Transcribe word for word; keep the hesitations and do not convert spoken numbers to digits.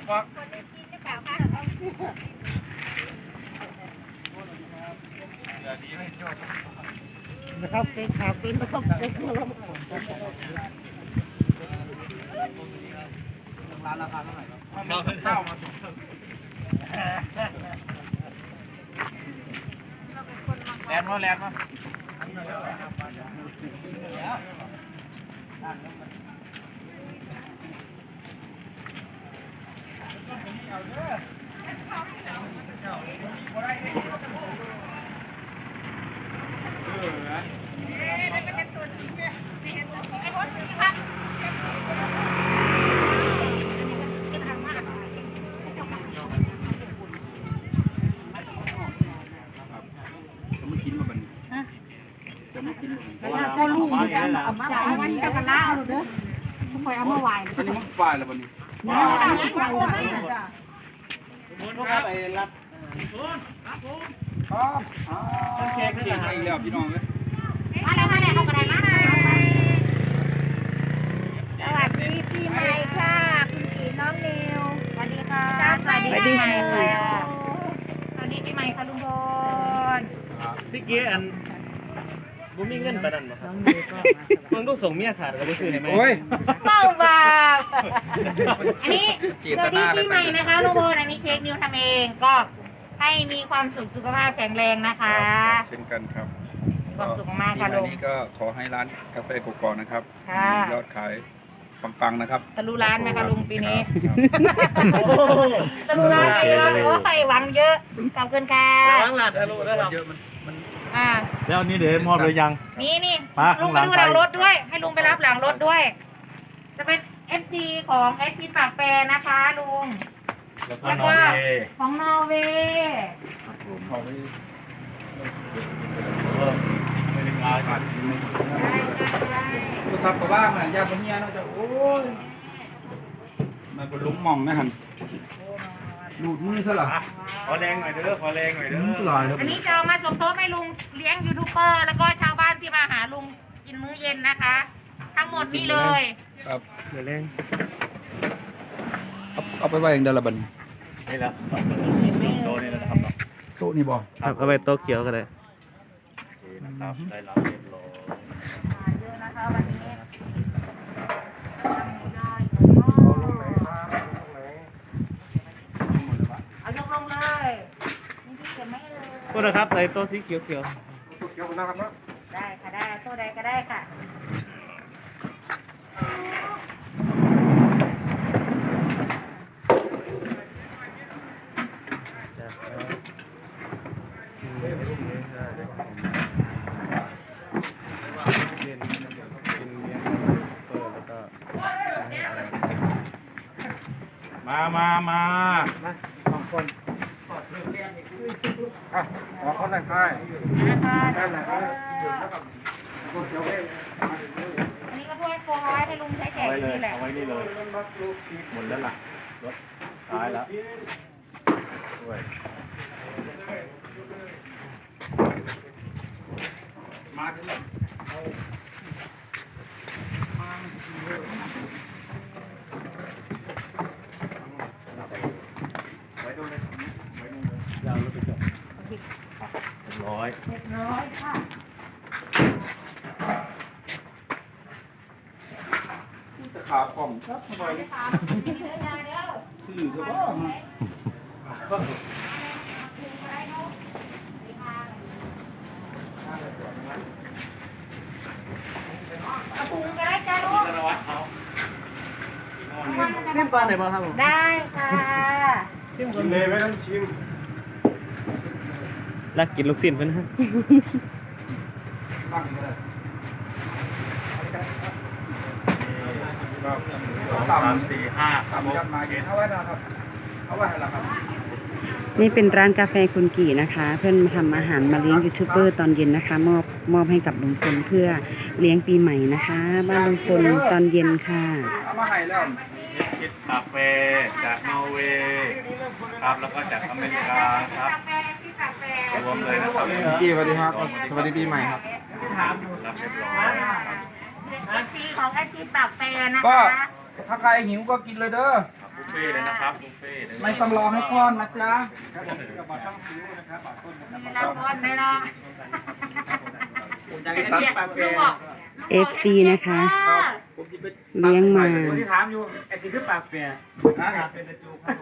บอกนะครับเป็นขาเป็นนะครับเป็นร้านราคาเท่าไหร่ครับข้าวมาส่งแลนด์มาแลนด์มาก็ลูกเหมือนกันเอามาเอาวันกับกะลาเอาเด้อทุกคนเอามาไหว้อันนี้มันฝ่ายแล้ววันนี้นี่อันนี้ไหว้จ้ะครับไปรับครับเค้กเค้กมาอีกแล้วพี่น้องเลยมาแล้วมาแล้วเอากระดาษมาสวัสดีปีใหม่ค่ะคุณกีน้องนิวสวัสดีค่ะสวัสดีปีใหม่ค่ะสวัสดีปีใหม่ค่ะลุงพลพี่เกี้อันบุมีเงินประดันมาครับมึงต้องส่งเมียขาดก็ได้ซื้อให้ไหมโอ้ยเป้าบ่าอันนี้สวัสดีปีใหม่นะคะลุงพลอันนี้เค้กนิวทำเองก็ให้มีความสุขสุขภาพแข็งแรงนะคะเช่นกันครับความสุขมากค่ะลุงนี้ก็ขอให้ร้านกาแฟกกอกนะครับยอดขายปังๆนะครับทะลุร้านไหมคะลุงปีนี้ทะลุร้านไปแล้วโอ้ยหวังเยอะขอบคุณค่ะหวังหลานทะลุได้หรอเยอะมันมันอ่าแล้วนี่เดี๋ยวมอบเลยยังนี่นี่ลุงไปดูหลังรถด้วยให้ลุงไปรับหลังรถด้วยจะเป็น เอฟ ซี ของแอชชินปากแปรนะคะลุงแล้วก็ของนอร์เวย์ขอไปไม่ได้งานกันได้ได้ตัวทับกับบ้างนะยาคนเนี้ยน่าจะโอ้ยมันเป็นลุงมองนะฮันดูดมือซะหรอขอแรงหน่อยเด้อขอแรงหน่อยเด้ออันนี้จะเอามาสมทบให้ลุงเลี้ยงยูทูบเบอร์แล้วก็ชาวบ้านที่มาหาลุงกินมื้อเย็นนะคะ ทั้งหมดนี่เลยครับเดี๋ยวแรงเอาไปไว้อย่างเดียวละบันนี่แล้วโต๊ะนี่นะครับโต๊ะนี่บอกครับเอาไปโต๊ะเขียวกันเลยนะครับได้รับเรียบร้อยเยอะนะคะวันนี้เอายกลงเลยนี่ที่เก็บไม่เลยโทษนะครับใส่โต๊ะสีเขียวเขียวเขียวนะครับนะได้ค่ะได้โต๊ะใดก็ได้ค่ะมามามาสองคนอ่ะขอคนไหนใครนะคะได้ไหนครับอันนี้ก็ถ้วยโฟมไว้ให้ลุงใช้แจกนี่แหละเอาไว้นี่เลยหมดแล้วล่ะรถตายแล้วด้วยมาถึงแล้วไว้ดูเลยไว้ดูเลยยาวรถไปจอดเรียบร้อยเรียบร้อยค่ะจะขาป่องครับทำไมสื่อซะบ้างปรุงก็ได้จ้าลูกชิมปลาไหนบ้างครับผมได้ค่ะชิมคนเลยไม่ต้องชิมรักกินลูกชิ้นเพื่อนฮะสามสี่ห้าสามยันมาเห็นเอาไว้นะครับเอาไว้ให้ละครับนี่เป็นร้านกาแฟคุณกี่นะคะ เพื่อนมาทำอาหารมาเลี้ยงยูทูบเบอร์ตอนเย็นนะคะมอบมอบให้กับลุงพลเพื่อเลี้ยงปีใหม่นะคะบ้านลุงพลตอนเย็นค่ะเอามาให้แล้วคิดกาแฟจากนอร์เวย์ครับแล้วก็จากอเมริกาครับรวมเลยนะครับกี่สวัสดีครับสวัสดีปีใหม่ครับรับเรียบร้อยเอฟซีของอาชีพปากแปรนะก็คะถ้าใครหิวก็กินเลยเด้อเฟ่ต์เลยนะครับบุฟเฟ่ต์เลยไม่ต้องรอให้ป้อนนะจ๊ะครับผมกับบอช่องฟิวนะครับบอต้นนะครับบอเราช่องพอนได้เนาะผมจะให้ปากแปรเอฟ ซี นะคะผมจะไปเลี้ยงมาที่ถามอยู่ไอ้สิ่งที่ปากแปรเป็นจู